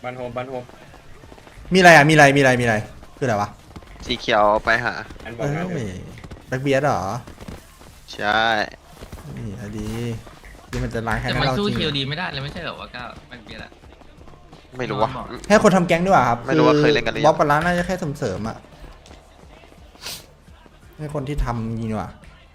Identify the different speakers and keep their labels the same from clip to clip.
Speaker 1: บ้านโฮม
Speaker 2: มีอะไรอ่ะมีอะไรคืออะไรวะ
Speaker 3: สีเขียวไปหา
Speaker 1: อันบอ
Speaker 2: เอ้
Speaker 1: กนะ
Speaker 2: ยแบ็คเบียร์เหรอ
Speaker 3: ใช่
Speaker 2: นี่อะดีที่มันจะล้างแค้น
Speaker 4: แต่
Speaker 2: ให้
Speaker 4: มัน
Speaker 2: เรา
Speaker 4: สู้
Speaker 2: จริง
Speaker 4: เคียว
Speaker 2: เหรอ
Speaker 4: ดีไม่ได้เลยไม่ใช่เหรอว่าก้าวมันเบียร์ละ
Speaker 3: ไม่รู้ว่า
Speaker 2: ให้คนทำแก๊งดีกว่าครับ
Speaker 3: ไม่รู้ว่าเคยเล่นกันหรือยัง
Speaker 2: บ๊อบกับร้านน่าจะแค่เสริมๆอ่ะให้คนที่ทำยิงดีกว่า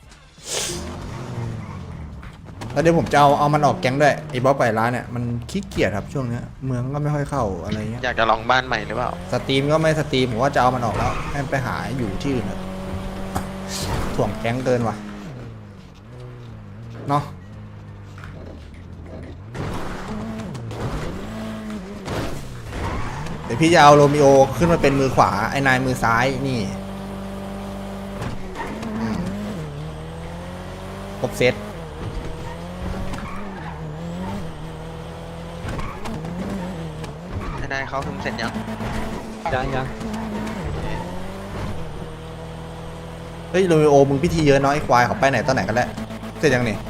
Speaker 2: แล้วเดี๋ยวผมจะเอามันออกแก๊งด้วยไอ้บ๊อบไปร้านเนี่ยมันขี้เกียจครับช่วงเนี้ยเมืองก็ไม่ค่อยเข้าอะไรเงี้ย
Speaker 3: อยากจะลองบ้านใหม่หรือเปล่า
Speaker 2: สตรีมก็ไม่สตรีมผมว่าจะเอามันออกแล้วให้มันไปหาอยู่ที่อื่นเถอะถ่วงแก๊งเกินว่ะเนาะเดี๋ยวพี่จะเอาโรมิโอขึ้นมาเป็นมือขวาไอ้นายมือซ้ายนี่อืมครบเซต
Speaker 3: นายเขาทุ่มเสร็จยัง
Speaker 5: ยัง
Speaker 2: เฮ้ยโรมิโอมึงพิธีเยอะเนาะไอ้ควายเขาไปไหนตอนไหนกันแล้วเสร็จยังนี่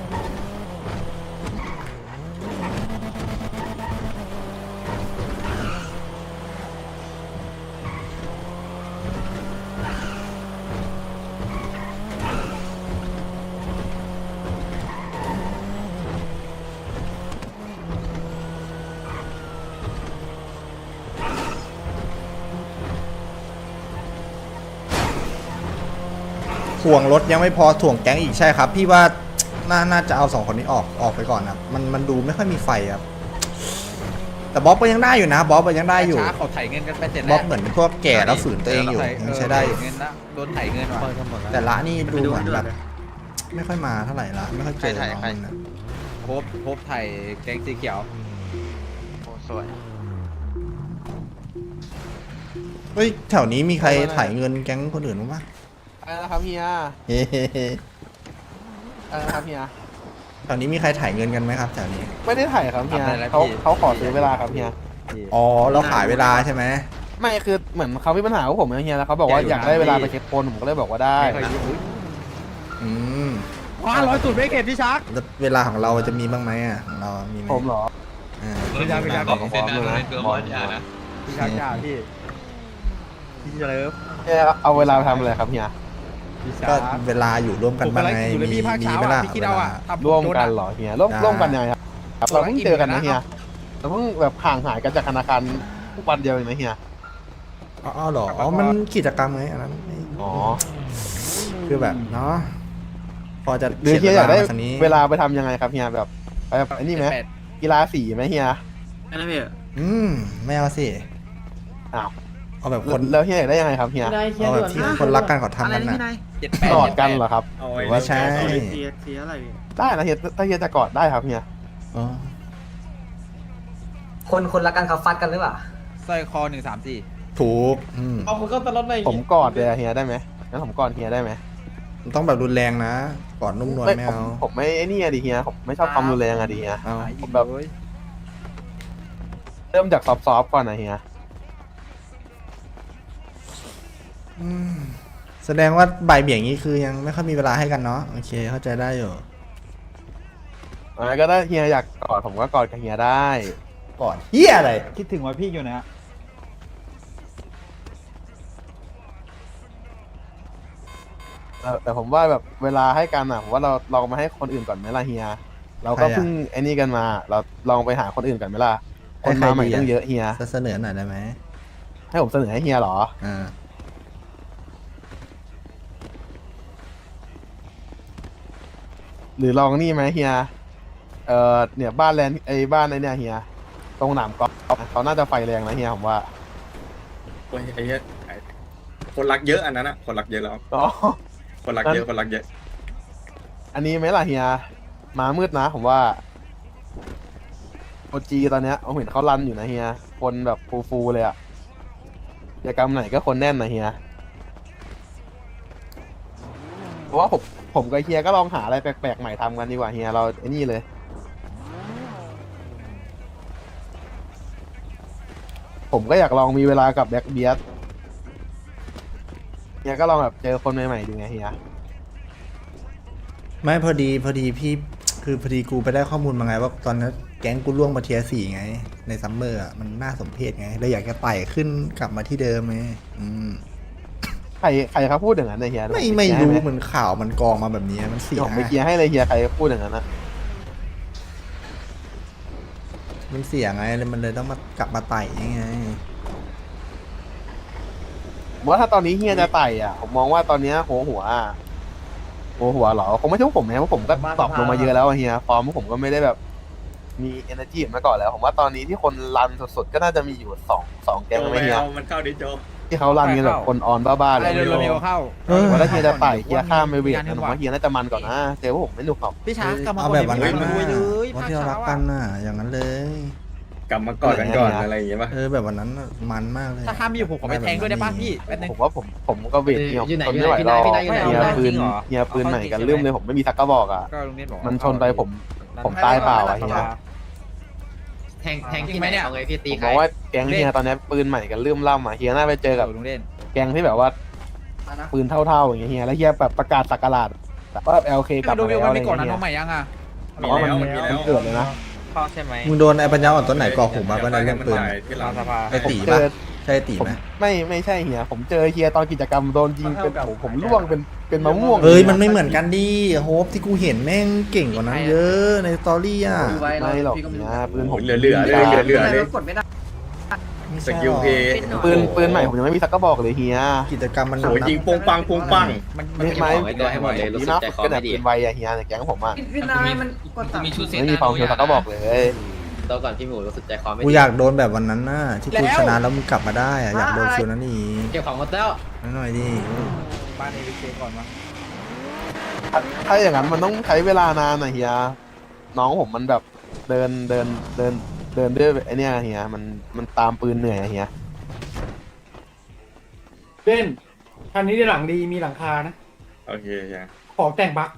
Speaker 2: ถ่วงรถยังไม่พอถ่วงแก๊งอีกใช่ครับ พี่ว่าน่าจะเอา2 คนนี้ออกไปก่อนครับมันดูไม่ค่อยมีไฟครับแต่บ๊อบก็ยังได้อยู่นะบ๊อบก็ยังได้อยู่
Speaker 5: ช้าเขาไถเงินกันไปเสร็จ
Speaker 2: บ๊
Speaker 5: แล้
Speaker 2: อ
Speaker 5: ว
Speaker 2: บเหมือนพวกแก่แล้วฝืนตัวเองอยู่ยังใช้ได้อยู่
Speaker 5: เงินละโดนไถเงินว่ะ
Speaker 2: แต่ละนี่ดูเหมือนแบบไม่ค่อยมาเท่าไหร่ละไม่ค่อยเจอน้องมันนะ
Speaker 5: พบไถแกงสีเขียว
Speaker 3: โอ้สวย
Speaker 2: เฮ้ยแถวนี้มีใครถ่ายเงินแก๊งคนอื่นบ้างปะ
Speaker 6: อะไรนะครับเฮีย
Speaker 2: เฮ้
Speaker 6: อะไรนะครับเฮีย
Speaker 2: แถวนี้มีใครถ่ายเงินกันไหมครับแถวนี้
Speaker 6: ไม่ได้ถ่ายครับเฮียเขาขอซื้อเวลาครับเฮีย
Speaker 2: อ๋อเราขายเวลาใช่ไหม
Speaker 6: ไม่คือเหมือนเขามีปัญหากับผมนะเฮียแล้วเขาบอกว่าอยากได้เวลาไปเช็คคนผมก็เลยบอกว่าได้
Speaker 2: อืม
Speaker 5: ว้า100 ไม่เก็บพี่ชัก
Speaker 2: แล้วเวลาของเราจะมีบ้างไหมอ่ะของเรามีไหม
Speaker 6: ผมเหรอ
Speaker 2: อ่า
Speaker 5: พี่ชักพี่ชัก
Speaker 4: บอกเส้นนั้นเลยตัวบอลอย่านะ
Speaker 5: พี่ชักจ่าพี่เลิฟ
Speaker 6: เฮียเอาเวลาไปทำอะไรครับเฮีย
Speaker 5: พี่ชั
Speaker 2: ก็
Speaker 5: ก
Speaker 2: เวลาอยู่ร่วมกันบ้างไง
Speaker 5: อยู่เลย
Speaker 2: มี
Speaker 5: พี่ภาค
Speaker 2: มี
Speaker 5: เช้า
Speaker 2: ไหมล่ะ
Speaker 5: พี่คิด
Speaker 2: เว
Speaker 5: เอา
Speaker 2: ลา
Speaker 6: ร่วมกันเหรอเฮียร่วมกันยังไงครับเราเพิ่งเจอกันนะเฮียเราเพิ่งแบบห่างหายกันจากธนาคารทุกวันเดียวเองนะเฮีย
Speaker 2: อ๋อเหรออ๋อมันกิจกรรมไงอันนั้น
Speaker 6: อ๋อ
Speaker 2: คือแบบเนาะพอจะ
Speaker 6: หรือเฮียอยากได้
Speaker 2: คันนี้
Speaker 6: เวลาไปทำยังไงครับเฮียแบบไปแบบไอ้นี่ไหมกีฬาสีไหมเฮีย
Speaker 2: อืมไม่เอาสิ
Speaker 6: อ้าว
Speaker 2: เอาแบบคน
Speaker 6: แล้วเฮียอยากได้ยังไงครับเฮีย
Speaker 2: เอาแบบที่คนรักกันเขาทำกันน่ะ
Speaker 6: กอดกันเหรอครับ
Speaker 2: ไม่ใช่
Speaker 6: ได้นะเฮียถ้าเฮียจะกอดได้ครับเฮีย
Speaker 2: อ๋อ
Speaker 7: คนรักกันเขาฟัดกันหรือเปล่า
Speaker 5: สร้อยคอ134
Speaker 2: ถูกอืม
Speaker 6: ผมกอดเลยอะเฮียได้ไหมงั้นผมกอดเฮียได้ไหม
Speaker 2: มันต้องแบบรุนแรงนะกอดนุ่มนวลไม่เอา
Speaker 6: ผมไม่ไอ้นี่อะดิเฮียผมไม่ชอบความรุนแรงอะดิเฮีย
Speaker 2: เอา
Speaker 6: ผมแบบเริ่มจากซอฟๆก่อนนะเฮีย
Speaker 2: อืมแสดงว่าบ่ายเบี่ยงนี้คือยังไม่ค่อยมีเวลาให้กันเนาะโอเคเข้าใจได้อยู่
Speaker 6: ก็ได้เฮียอยากกอดผมก็กอดกับเฮียได้
Speaker 2: กอดเฮียอะไร
Speaker 5: คิดถึงว่าพี่อยู่นะ
Speaker 6: แต่ผมว่าแบบเวลาให้กันอะผมว่าเราลองมาให้คนอื่นก่อนไหมล่ะเฮียเราก็เพิ่งไอ้นี่กันมาเราลองไปหาคนอื่นก่อนไหมล่ะคนมาใหม่ตั้งเยอะเฮีย
Speaker 2: เสนอหน่อยได้ไหม
Speaker 6: ให้ผมเสนอให้เฮียเหรอ
Speaker 2: อ่า
Speaker 6: หรือลองนี่ไหมเฮียเนี่ยบ้านแลนด์ไอ้บ้านไอ้เนี่ยเฮียตรงหนามกอล์ฟเขาน่าจะไฟแรงนะเฮียผมว่า
Speaker 1: โอ้ยไอ้เหี้ยคนรักเยอะอันนั้นอะคนรักเยอะแล้ว
Speaker 6: อ๋อ
Speaker 1: คนรักเยอะคนรักเยอะ
Speaker 6: อันนี้ไหมล่ะเฮียมามืดนะผมว่าโอจีตอนเนี้ยผมเห็นเขารันอยู่นะเฮียคนแบบฟูๆเลยอะกิจกรรมไหนก็คนแน่นนะเฮียเพราะว่าผมกับเฮียก็ลองหาอะไรแปลกๆใหม่ทำกันดีกว่าเฮียเราไอ้นี่เลย ผมก็อยากลองมีเวลากับแบ็คเบียร์เฮียก็ลองแบบเจอคนใหม่ๆดูไงเฮีย
Speaker 2: ไม่พอดีพี่คือพอดีกูไปได้ข้อมูลมาไงว่าตอนนี้แก๊งกูล่วงมาเทียร์สี่ไง ในซัมเมอร์อะมันน่าสมเพชไงเลยอยากจะไต่ขึ้นกลับมาที่เดิมไง
Speaker 6: ใครเขาพูดอย่างนั้นนะเฮีย
Speaker 2: ไม่รู้เหมือนข่าวมันกองมาแบบนี้มันเสีย
Speaker 6: ผมไปเคลียร์ให้เลยเฮียใครพูดอย่างนั้นนะ
Speaker 2: มันเสียไงเลยมันเลยต้องมากลับมาไต่ยังไง
Speaker 6: ว่าถ้าตอนนี้เฮียจะไต่อ่ะผมมองว่าตอนเนี้ยหัวเหรอคงไม่ใช่พวกผมนะเพราะผมก็ตอบลงมาเยอะแล้วอะเฮียฟอร์มพวกผมก็ไม่ได้แบบมี energy เหมือนเมื่อก่อนแล้วผมว่าตอนนี้ที่คนรันสุดๆก็น่าจะมีอยู่สองแก๊ง
Speaker 1: โจ
Speaker 6: ไหม
Speaker 1: ไป
Speaker 6: เฮีย
Speaker 1: เอามันเข้าดิโจ
Speaker 6: ที่เขารันกันแบบคนออนบ้าๆเลย
Speaker 5: โรเมโอเข้า
Speaker 6: ว่าถ้าเฮียจะไต่เฮียข้ามไปเวทนะผมว่าเฮียน่าจะมันก่อนนะเจอพวกผมไม่หนุกหรอก
Speaker 5: พี่ช้างกลับมา
Speaker 2: เอาแบบวันนั้น
Speaker 5: เล
Speaker 2: นะ
Speaker 5: ยเลย
Speaker 2: วันที่เรารักกันน่ะอย่างนั้นเลย
Speaker 1: กลับมากอดกันก่อนอะไรอย่างเงี้ยป่ะ
Speaker 2: แบบวันนั้นน่ะมันมากเลย
Speaker 5: ถ้าห้ามไม่อยู่ผมขอไปแทงด้วยได้ป่ะพี่แป๊บนึง
Speaker 6: ผมว่าผมก็เวทเฮีย
Speaker 7: อยู่ไหน
Speaker 6: ทนไม่ไหวหรอก
Speaker 7: พี่นายอยู่ไหน
Speaker 6: เฮีย
Speaker 7: พี่นาย
Speaker 6: ปืน
Speaker 7: จริงเหรอ
Speaker 6: เฮียปืนใหม่กันเริ่มเลยผมไม่มีสักกระบอกอ่ะ
Speaker 5: ก็ลุงเนตบอก
Speaker 6: มันชนไปผมตายเปล่าอะเฮีย
Speaker 7: แทงที่ไหนเนี่ยเอาไงพี่ตี
Speaker 6: ผม
Speaker 7: ใค
Speaker 6: ม
Speaker 7: ร
Speaker 6: องว่าแก๊งเฮียตอนนี้ปืนใหม่กันเริ่มล่ำอ่ะเฮียน่าไปเจอกับ
Speaker 5: ลุงเล่น
Speaker 6: แก๊งที่แบบว่าปืนเท่าๆอย่างเงี้ยเฮียแล้วเฮียแบบประกาศสักการะแบบว่า LK กลับ
Speaker 5: ดู
Speaker 6: มา
Speaker 5: วิ
Speaker 6: แล้ว ว
Speaker 5: มัน
Speaker 6: อะไร
Speaker 5: ไม่ก่อนนะ
Speaker 6: เงี้
Speaker 5: น้อง
Speaker 6: ย
Speaker 5: ใหม่ยังอ่ะ
Speaker 1: มีแล้วมันมีแล้ว
Speaker 6: เกิดเลยนะ
Speaker 7: พ่อใช่ไหม
Speaker 2: มึงโดนไอ้ปัญญาอ่อนตัวไหนก่อหูมาก็ได้เรื่องปืน
Speaker 1: ที่หลัง
Speaker 2: ไอ้ตี
Speaker 6: เจ
Speaker 2: ปะ
Speaker 6: อ
Speaker 2: ใช่ตี
Speaker 6: ผม
Speaker 2: ไหม
Speaker 6: ไม่ใช่เฮียผมเจอเฮียตอนกิจกรรมโดนยิงเป็นผมร่วงเป็นมะม่วง
Speaker 2: เอ้ยมันไม่เหมือนกันดิโฮปที่กูเห็นแม่งเก่งกว่านั้นเยอะในสตอรี่อ่ะ
Speaker 6: ไม่หรอกเฮียปืนผม
Speaker 1: เหลือเลยเหลือเลย
Speaker 7: กดไม่ได้
Speaker 1: สกิลเพย์
Speaker 6: ปืนใหม่ผมยังไม่มีสักกระบอกเลยเฮีย
Speaker 2: กิจกรรมมัน
Speaker 1: โหยิงปงปังปงปัง
Speaker 6: ไม่ดีนะก็แต่ปืนไวอะเฮียในแก๊งผมอะ
Speaker 7: พี่นายมันกด
Speaker 4: กูมีชุดเซต
Speaker 6: ไม่มีความเคียวสักกระบอกเลย
Speaker 7: ตัวก่อนพี่หมูรู้สึกใจคอไม่
Speaker 2: กู
Speaker 7: ดี
Speaker 2: อยากโดนแบบวันนั้นน่ะที่กูชนะแล้วมึงกลับมาได้อะอยากโดนฟิลนั้นอีก
Speaker 7: เก็บของหมดแล้ว
Speaker 2: หน่อยดิ
Speaker 5: บ้านเอวิเคก่อนวะ
Speaker 6: ถ้าอย่างนั้นมันต้องใช้เวลานานอะเฮียน้องผมมันแบบเดินด้วยไอเนี้ยเฮียมันตามปืนเหนื่อยอะเฮีย
Speaker 8: เล่นคันนี้ได้หลังดีมีหลังคานะ
Speaker 1: โอเคยัง
Speaker 8: ของแต่งบั๊ก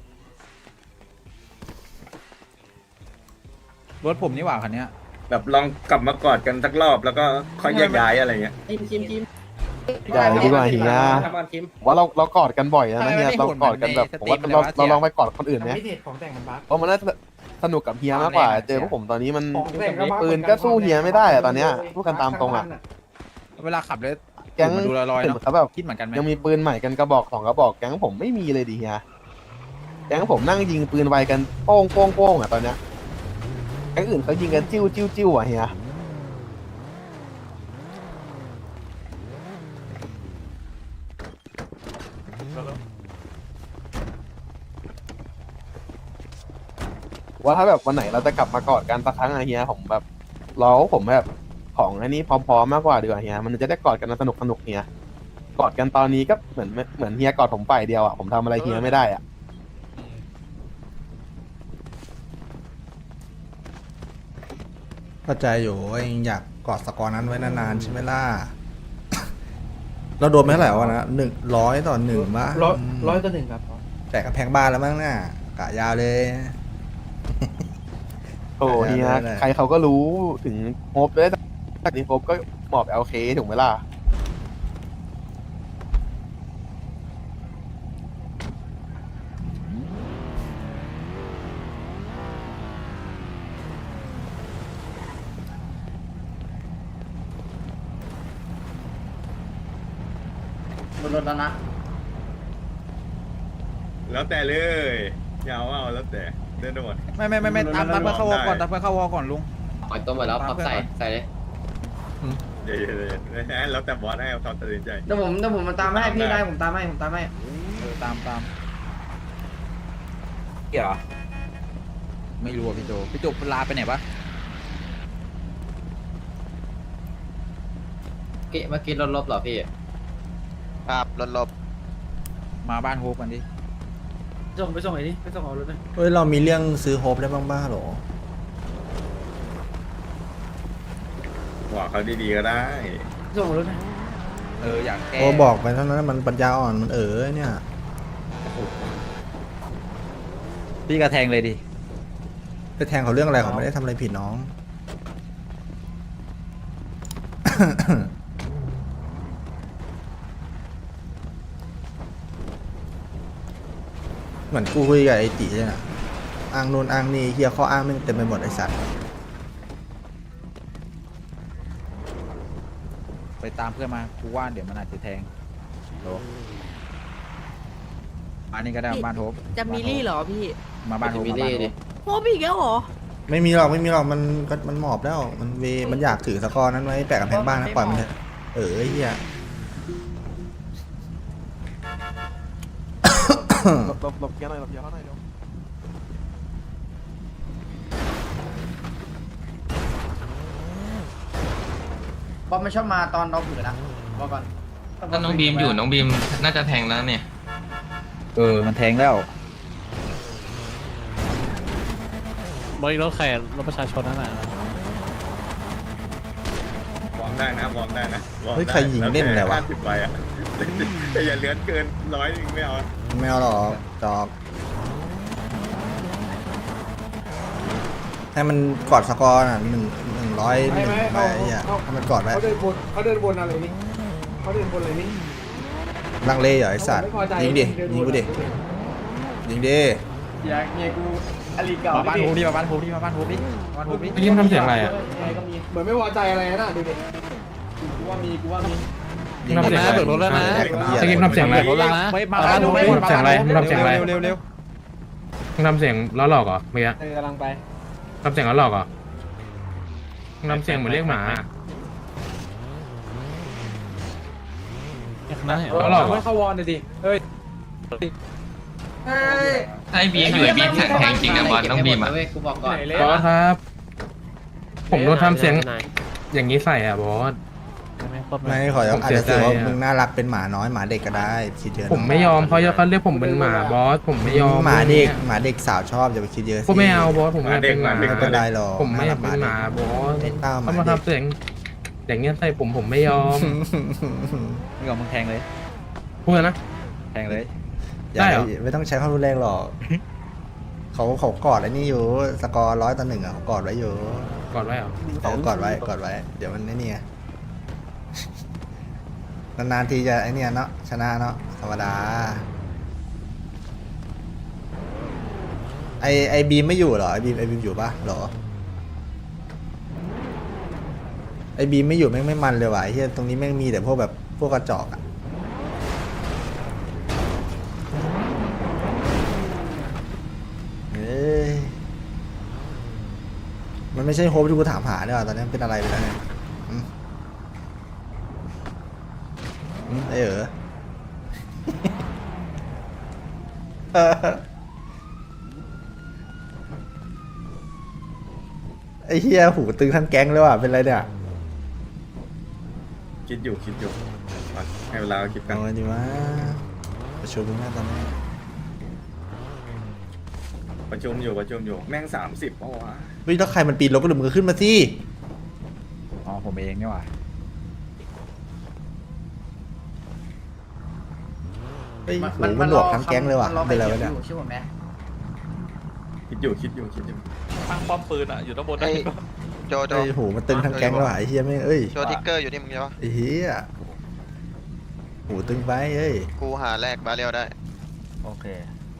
Speaker 5: รถผมนี่หว่าคันเนี้ย
Speaker 1: แบบลองกลับมากอดกันสักรอบแล้วก็ค่อยแยกย้ายอะไรเงี้ย
Speaker 7: คิม
Speaker 6: ใหญ่ดีกว่าเฮียว่าเรากอดกันบ่อยนะเฮียเรากอดกันแบบผมว่าเราลองไปกอดคนอื่นไหม
Speaker 8: ไม่เด็ดของแต่งมันบั๊ก
Speaker 6: เพราะมันน่าจะสนุกกับเฮียมากกว่า เจอพวกผมตอนนี้มัน
Speaker 8: ของแต่งก็บั๊ก
Speaker 6: ปืนก็สู้เฮียไม่ได้อะตอนเนี้ยพูดกันตามตรงอะ
Speaker 5: เวลาขับเลย
Speaker 6: แก๊ง
Speaker 5: มันดูลอยๆ
Speaker 6: เห็น
Speaker 5: เนาะ
Speaker 6: เขาแบบ
Speaker 5: คิดเหมือนกันไหม
Speaker 6: ยังมีปืนใหม่กันกระบอก2กระบอกแก๊งผมไม่มีเลยดิเฮียแก๊งผมนั่งยิงปืนไวกันโป้งอะตอนเนี้ยแก๊งอื่นเขายิงกันจิ้วอะเฮียว่าถ้าแบบวันไหนเราจะกลับมากอดกันสักครั้งอะเฮียผมแบบผมแบบของอันนี้พร้อมๆมากกว่าดีกว่าเฮียมันจะได้กอดกันสนุกเฮียกอดกันตอนนี้ก็เหมือนเฮียกอดผมฝ่ายเดียวอะผมทำอะไรเฮียไม่ได้อะ
Speaker 2: เข้าใจอยู่ว่ายังอยากกอดสกอร์นั้นไว้นานๆใช่ไหมล่ะ เราโดนไปเท่าไหร่วะนะ100-1บ้า
Speaker 8: 100 ครับ
Speaker 2: แต่กระแพงบ้านแล้วมั้งน่ะกะยาวเลย
Speaker 6: โอ้เฮียใครเขาก็รู้ถึงโฮปด้วยจากนี้โฮปก็หมอบ LK ถูกไหมล่ะ
Speaker 7: บนรถแล้วนะ
Speaker 1: แล้วแต่เลยยาวเอาแล้วแต่เดินหมด
Speaker 5: ไม่ตามเพื่อนเข้าวอก่อนตามเพื่อนเข้าวอก่อนลุง
Speaker 7: ปล่อยตัวหมดแล้วพับใส่เลย
Speaker 1: เดี๋ยวแล้วแต่บอสให้เขาตัดสินใจ
Speaker 7: เดี๋ยวผมมาตามให้พี่ได้ผมตามให้
Speaker 5: ตามเกี่ยวไม่รู้อ่ะพี่โจลาไปไหนปะ
Speaker 7: เมื่อกี้รถลบเหรอพี่
Speaker 3: ครับรถลบ
Speaker 5: มาบ้านโฮปกันดิ
Speaker 8: ไปส่งไอ้นี่ไปส่งเอารถเลย
Speaker 2: เฮ้ยเรามีเรื่องซื้อโฮปได้บ้างบ้าหรอ
Speaker 1: บอกเขาดีๆก็ได้
Speaker 8: ส่งเอารถเลย
Speaker 5: อยากแก้
Speaker 2: โอ้บอกไปเท่านั้นมันปัญญาอ่อนมันเนี่ย
Speaker 5: พี่กระแทงเลยดิ
Speaker 2: ไปแทงเขาเรื่องอะไรเขาไม่ได้ทำอะไรผิดน้อง เหมือนกูคุยกับไอ้ตีเลยนะอ้างนู่นอ้างนี่เฮียข้ออ้างแม่งเต็มไปหมดไอ้สัตว์
Speaker 9: ไปตามเพื่อนมากูว่าเดี๋ยวมันอาจจะแทงโลอันนี้ก็ได้บ้านโฮป
Speaker 10: จะมีลี่เหรอพี่
Speaker 9: มาบ้านโฮป
Speaker 7: มี
Speaker 9: มา
Speaker 7: เล่
Speaker 9: บ้านโฮ
Speaker 7: ดิ
Speaker 9: ป
Speaker 10: โฮบีกแล้วเหรอ
Speaker 2: ไม่มีหรอกมันหมอบแล้วมันอยากถือสกอร์นั้นไว้แปะกับแพงบ้านนะปล่อยมันเถอะไอ้เฮีย
Speaker 6: หลบเกียร์หน่อยหลบเกียร์เขาหน่อยเดี๋ยว
Speaker 7: บอมไม่ชอบมาตอนเราเผือนะบอกก่อน
Speaker 4: ถ้าน้องบีมอยู่น้องบีมน่าจะแทงแล้วเนี่ย
Speaker 9: มันแทงแล้ว
Speaker 5: บริรถแขกรถประชาชนนั่นแหละ
Speaker 1: วอร์มได้นะวอร์มได้นะวอร์ม
Speaker 2: เฮ้ย
Speaker 1: ได้
Speaker 2: ใครยิงเล่นอะไรวะ
Speaker 1: 50ใบอะแต่อย่าเลือนเกิน100นึงไม่เอา
Speaker 2: ไม่เอาหรอกจอกให้มันกอดสกอร์น่ะ101ไปไอ้เหี้ยให้มันกอดไว้
Speaker 8: เขาเดินบนอะไรนี่เขาเดินบนอะไรนี่
Speaker 2: ลังเลเหรอไอ้สัตว์ยิงดิยิงกูดิยิงดิ
Speaker 7: อยากเมียกูอลีเก่า
Speaker 9: มาบ้านโฮปดิมาบ้านโฮปดิมาบ้านโฮปดิมาบ้านโฮปดิ
Speaker 5: ยิ้มทำเสียงอะไรอ่ะ
Speaker 8: เหมือนไม่พอใจอะไรนะดูดิ
Speaker 7: กูว่ามี
Speaker 2: ยิง
Speaker 5: ทำเสียงอะไรเบิกรถแล้วนะ
Speaker 2: จะกินทำเสียงอะไร
Speaker 5: รถแล้วนะ
Speaker 9: เฮ้ยมาบ้านโฮปดิ
Speaker 5: ทำเสียงอะไรทำเสียงอะไร
Speaker 9: เร็วเร็ว
Speaker 5: มึงทำเสียงล้อหลอกเหรอเมื่อกี้
Speaker 8: กำลังไป
Speaker 5: ทำเสียงล้อหลอกเหรอมึงทำเสียงเหมือนเรียกหมาล้อหลอกเหรอ
Speaker 8: ไม่เข้าวอนเลยดิเฮ้ย
Speaker 4: ถ้าไอ้บีมอยู่ไอ้บีมแทงจริงนะบอลน้องบีมอ่ะ
Speaker 7: กูบอกก่อน
Speaker 5: บอสครับ ผมโดนทำเสียงอย่างนี้ใส่อ่ะบอส
Speaker 2: ไม่ขออาจจะถือว่ามึงน่ารักเป็นหมาน้อยหมาเด็กก็ได้คิดเยอะนะ
Speaker 5: ผมไม่ยอมเขาเรียกผมเป็นหมาบอสผมไม่ยอม
Speaker 2: หมาเด็กสาวชอบอย่าไปคิดเยอะสิ
Speaker 5: ผมไม่เอาบอสผมไม่อยากเป็นหมา
Speaker 2: ไม่เป็นไรหรอก
Speaker 5: ผมไม่อยากเป็นหมาบอส
Speaker 2: ไอ้เต้าห
Speaker 5: เขา
Speaker 2: มา
Speaker 5: มา
Speaker 2: เด็ก
Speaker 5: ทำเสียงอย่างเงี้ยใส่ผมไม่ยอม
Speaker 9: มึงยอมมึงแทงเลย
Speaker 5: พูดนะ
Speaker 9: แทงเลย
Speaker 2: อย่า
Speaker 5: ได้เหรอ
Speaker 2: ไม่ต้องใช้ความรุนแรงหรอกเขากอดไอ้นี่อยู่สกอร์100-1อ่ะเขากอดไว้อยู่
Speaker 5: ก่อนไว้เหรอ
Speaker 2: เขากอดไว้เดี๋ยวมันไอ้นี่ไง นานๆทีจะไอ้เนี่ยเนาะชนะเนาะธรรมดาไอบีมไม่อยู่เหรอไอบีมอยู่ปะเหรอไอบีมไม่อยู่แม่งไม่มันเลยว่ะไอ้เหี้ยตรงนี้แม่งมีแต่พวกแบบพวกกระจอกอะเอ้ยมันไม่ใช่โฮปที่กูถามหาเนี่ยว่ะตอนนี้เป็นอะไรไปแล้วเนี่ยไอ้ไอ้เฮียหูตึงทั้งแก๊งเลยว่ะเป็นไรเนี่ย
Speaker 1: คิดอยู่ให้เวลาคิดกัน
Speaker 2: เอาไงดีวะประชุมหน้าตอนนี้
Speaker 1: ประชุมอยู่แม่ง30เพราะว่า
Speaker 2: เฮ้ยถ้าใครมันปีนรถก็ดึงมือขึ้นมาสิ
Speaker 9: อ๋อผมเองนี่หว่า
Speaker 2: เฮ้ยหูมันหลวกทั้งแก๊งเลยว่ะเป็นไรวะเนี่ย
Speaker 7: ชื่อผมไหม
Speaker 1: คิดอยู่
Speaker 4: ตั้งป้อมปืนอ่ะอยู่ด้านบน
Speaker 3: ไอ้โจ
Speaker 2: ไอ้หูมันตึงทั้งแก๊งเลยว่ะไอ้เฮียไม่งเอ้ย
Speaker 3: โจทิกเกอร์อยู่นี่มึงใช่ปะ
Speaker 2: ไอ้เฮียหูตึงไปเอ้ย
Speaker 3: กูหาแลกบาเรียวได้
Speaker 11: โอเค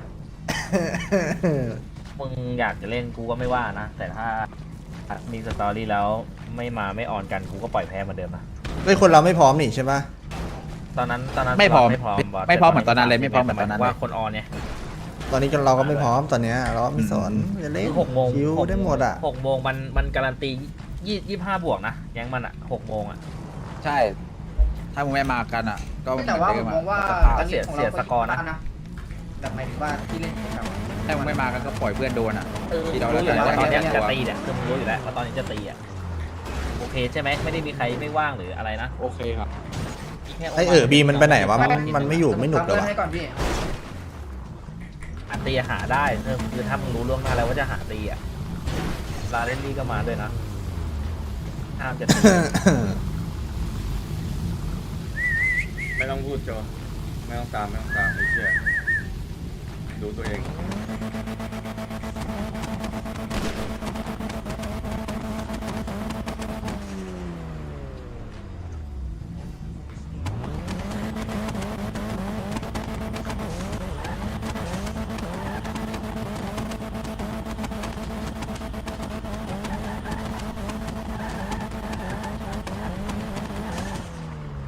Speaker 11: มึงอยากจะเล่นกูก็ไม่ว่านะ แต่ถ้ามีสตอรี่แล้วไม่ออนกันกูก็ปล่อยแพ้เหมือนเดิมนะ
Speaker 2: เฮ้ยคนเราไม่พร้อมนี่ใช่ปะ
Speaker 11: ตอนนั้น
Speaker 9: ไม่พร้อม
Speaker 11: ไม่พร้อมบส
Speaker 9: ไม่พร้อมเหมือนตอนนั้นเลยไม่พร้อมเหมือนตอนนั้นเลย
Speaker 11: ว่าคนออนเนี่ย
Speaker 2: ตอนนี้เราก็ไม่พร้อมตอนเนี้ยเราไม่สนจะเล่น
Speaker 11: 6 โมง
Speaker 2: คิวได้หมดอ่ะ
Speaker 11: 6 โมงมันการันตี25 บวกนะแก๊งมันอ่ะ 6 โมงอ่ะ
Speaker 9: ใช่ ถ้ามึงไม่มากันอ่ะ ก็
Speaker 7: แต่ว่าผมมองว่า
Speaker 11: เสียสกอร์นะ
Speaker 7: แต่หมายถึงว่าที่เล่นกับ
Speaker 9: ถ้ามึงไม่มากันก็ปล่อยเพื่อนโดนอ่ะ ที่เรา
Speaker 11: รู้อยู่แล้ว
Speaker 9: ได้
Speaker 11: ว่าตอนเนี้ย
Speaker 9: ได้
Speaker 11: จะตีเนี่ยคือมึงรู้อยู่แล้วว่าตอนนี้จะตีอ่ะโอเคใช่ไหมไม่ได้มีใครไม่ว่างหรืออะไรนะ
Speaker 5: โอเคครับ
Speaker 11: มีแค่
Speaker 2: ไอบีมันไปไหนวะมันไม่อยู่ไม่หนุกเลยวะ
Speaker 7: ให้ก่อนพี่
Speaker 11: หาตีหาได้คือถ้ามึงรู้ล่วงหน้าแล้วว่าจะหาตีอ่ะลาเรนลี่ก็มาด้วยนะห้ามจะตี
Speaker 1: ไม่ต้องพูดโจไม่ต้องตามไอ้เชี่ยดูตัวเอง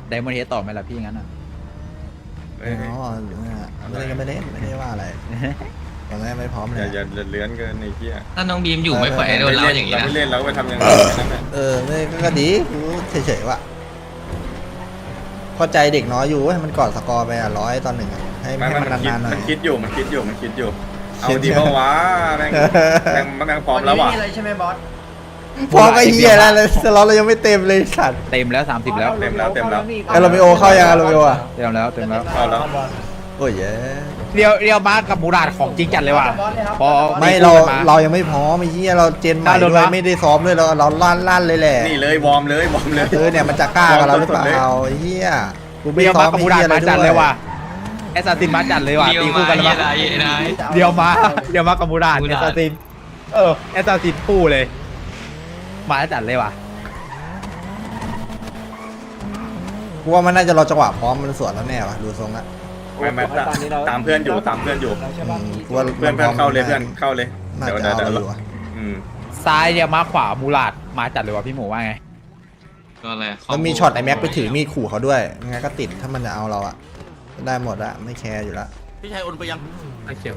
Speaker 9: ไดมอนด์เฮดต่อไหมล่ะพี่งั้นอ่ะ
Speaker 1: เอ้ย
Speaker 2: อ๋อไม่ได้ก็ไม่เล่นไม่ได้ว่าอะไรตอนแรกไม่พร้อม
Speaker 1: อ
Speaker 2: เลย
Speaker 1: ย่าเลื้อนเกินไอ้เหี้ย
Speaker 4: ถ้าน้องบีมอยู่ไม่ปล่อยให้โดนเล้าอย่างนี้
Speaker 1: เรา
Speaker 4: นะ
Speaker 1: ไม่เล่นเราไปทำอย่างนั้นนั่นแหละ
Speaker 2: ไม่ก็ดีกูเฉยๆว่ะเข้าใจเด็กน้อยอยู่ให้มันกอดสกอร์ไป100 ต่อ 1อะให้มันนานๆหน่อย
Speaker 1: มันคิดอยู่ เอาดีเพราะว่าแม่งพร้อมแล้ว
Speaker 7: วัน
Speaker 1: ว่ะ
Speaker 7: นี้มีอะไรใช่ไหมบอส
Speaker 2: พอก็เฮียแล้วเลยสล็อตเรายังไม่เต็มเลยสัตว์
Speaker 9: เต็มแล้ว30แล้ว
Speaker 1: เต็มแล้ว
Speaker 2: ไอโรมิโอเข้ายังไอโรมิโออ่ะ
Speaker 9: เต็มแล้วเต็มแล้ว
Speaker 1: เข้าแล้ว
Speaker 2: โอ้ยเย้
Speaker 9: เรียวมากับมูราดของจริงจัดเลยว่ะพอ
Speaker 2: ไม่เรายังไม่พร้อมไอ้เหี้ยเราเจนใหม่ด้วยไม่ได้ซ้อมด้วยเราลั่นเลยแหละ
Speaker 1: นี่เลยวอร์มเลย
Speaker 2: เนี่ยมันจะกล้ากับเราหรือเปล่าไอ้เหี้ยกูไม่
Speaker 9: เรียว
Speaker 2: ซ้อ
Speaker 9: มาม กับ
Speaker 2: ไอ้
Speaker 9: มูรา
Speaker 2: เหี้
Speaker 9: ด
Speaker 2: ยอะไร
Speaker 9: มา
Speaker 2: ด้
Speaker 9: จัด
Speaker 2: ว
Speaker 9: เลย ยว่ะแอสซัสซินมาจัดเลยว่ะ
Speaker 4: เดียว
Speaker 9: ตี
Speaker 4: มา
Speaker 9: คู่กัน
Speaker 4: ไอ้
Speaker 9: แล้ว
Speaker 4: ไรไอ้นาย
Speaker 9: เรียวมากับมูราดแอสซัสซินแอสซัสซินคู่เลย มาจัดเลยว่ะ
Speaker 2: กูว่ามันน่าจะรอจังหวะพร้อมมันสวนแล้วแน่ว่ะดูทรงละ
Speaker 1: ไม่ตามเพื่อนอยู่
Speaker 2: กูว่า
Speaker 1: เพื่อนเข้าเลย
Speaker 2: น่า
Speaker 1: เดี๋ยว
Speaker 2: จะเอาอยู่ว่ะ
Speaker 9: ซ้ายเรียวมาขวามูราดมาจัดเลยว่ะพี่หมูว่าไง
Speaker 4: ก็อะไร
Speaker 2: มันมีช็อตไอแม็กไปถือมีดขู่เขาด้วยงั้นก็ติดถ้ามันจะเอาเราอะได้หมดอะไม่แคร์อยู่ละ
Speaker 11: พี่ชายโอนไปยัง
Speaker 5: ไอ้เขียว